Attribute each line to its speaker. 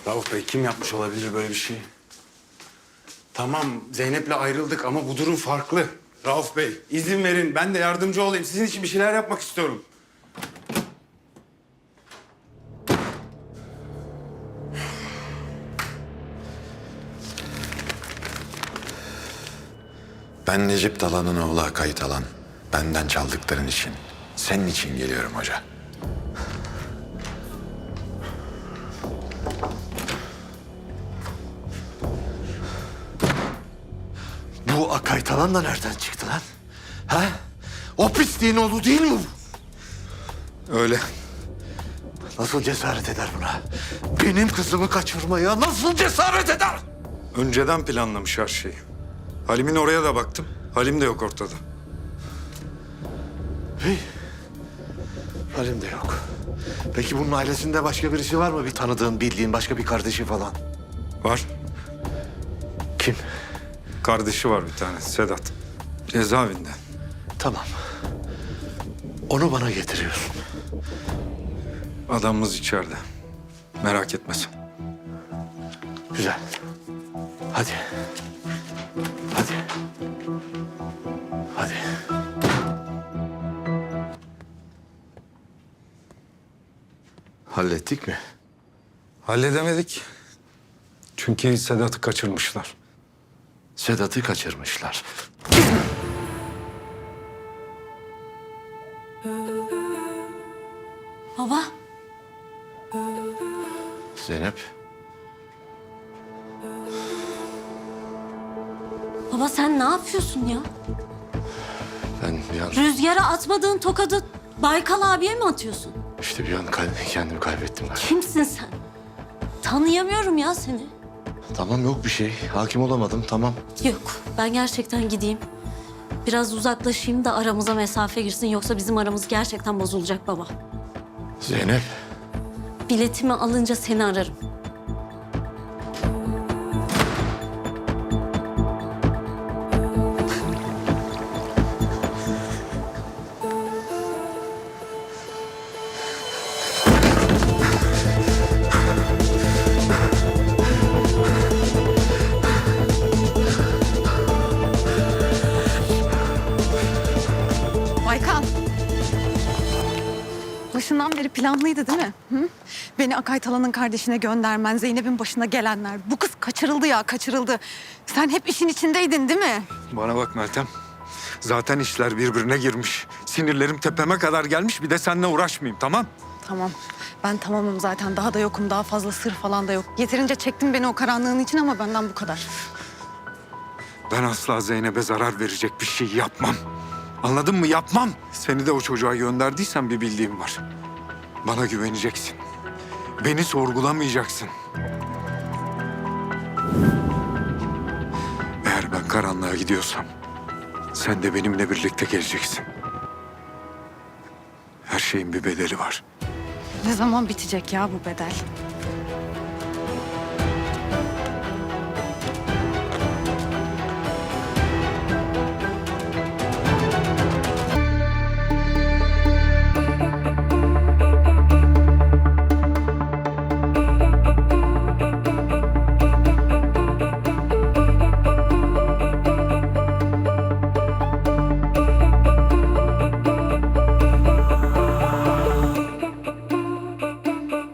Speaker 1: Rauf Bey, kim yapmış olabilir böyle bir şey? Tamam, Zeynep'le ayrıldık ama bu durum farklı. Rauf Bey, izin verin. Ben de yardımcı olayım. Sizin için bir şeyler yapmak istiyorum.
Speaker 2: Ben Necip Dalan'ın oğlu Akay Talan. Benden çaldıkların için, senin için geliyorum hoca.
Speaker 3: Bu Akay Talan da nereden çıktı lan? Ha? O pisliğin oğlu değil mi bu?
Speaker 2: Öyle.
Speaker 3: Nasıl cesaret eder buna? Benim kızımı kaçırmaya nasıl cesaret eder?
Speaker 4: Önceden planlamış her şeyi. Halim'in oraya da baktım. Halim de yok ortada.
Speaker 3: Hey. Halim de yok. Peki bunun ailesinde başka birisi var mı? Bir tanıdığın, bildiğin başka bir kardeşi falan.
Speaker 4: Var.
Speaker 3: Kim?
Speaker 4: Kardeşi var bir tane, Sedat. Cezaevinde.
Speaker 3: Tamam. Onu bana getiriyorsun.
Speaker 4: Adamımız içeride. Merak etme sen.
Speaker 3: Güzel. Hadi. Hadi. Hadi. Hallettik mi?
Speaker 4: Halledemedik. Çünkü Sedat'ı kaçırmışlar.
Speaker 3: Sedat'ı kaçırmışlar.
Speaker 5: Baba,
Speaker 3: Zeynep.
Speaker 5: baba sen ne yapıyorsun ya?
Speaker 3: Ben bir an
Speaker 5: Rüzgara atmadığın tokadı Baykal abiye mi atıyorsun?
Speaker 3: işte kendimi kaybettim ben.
Speaker 5: Kimsin sen? Tanıyamıyorum ya seni.
Speaker 3: Tamam yok bir şey. Hakim olamadım tamam.
Speaker 5: Yok, ben gerçekten gideyim. Biraz uzaklaşayım da aramıza mesafe girsin. Yoksa bizim aramız gerçekten bozulacak baba.
Speaker 3: Zeynep.
Speaker 5: Biletimi alınca seni ararım.
Speaker 6: Baykal. Başından beri planlıydı değil mi? Hı? Beni Akay Talan'ın kardeşine göndermen, Zeynep'in başına gelenler. Bu kız kaçırıldı ya, kaçırıldı. Sen hep işin içindeydin değil mi?
Speaker 4: Bana bak Meltem. Zaten işler birbirine girmiş. Sinirlerim tepeme kadar gelmiş. Bir de seninle uğraşmayayım, tamam?
Speaker 6: Tamam. Ben tamamım zaten. Daha da yokum. Daha fazla sır falan da yok. Yeterince çektin beni o karanlığın için ama benden bu kadar.
Speaker 4: Ben asla Zeynep'e zarar verecek bir şey yapmam. Anladın mı? Yapmam. Seni de o çocuğa gönderdiysen bir bildiğim var. Bana güveneceksin. Beni sorgulamayacaksın. Eğer ben karanlığa gidiyorsam sen de benimle birlikte geleceksin. Her şeyin bir bedeli var.
Speaker 6: Ne zaman bitecek ya bu bedel?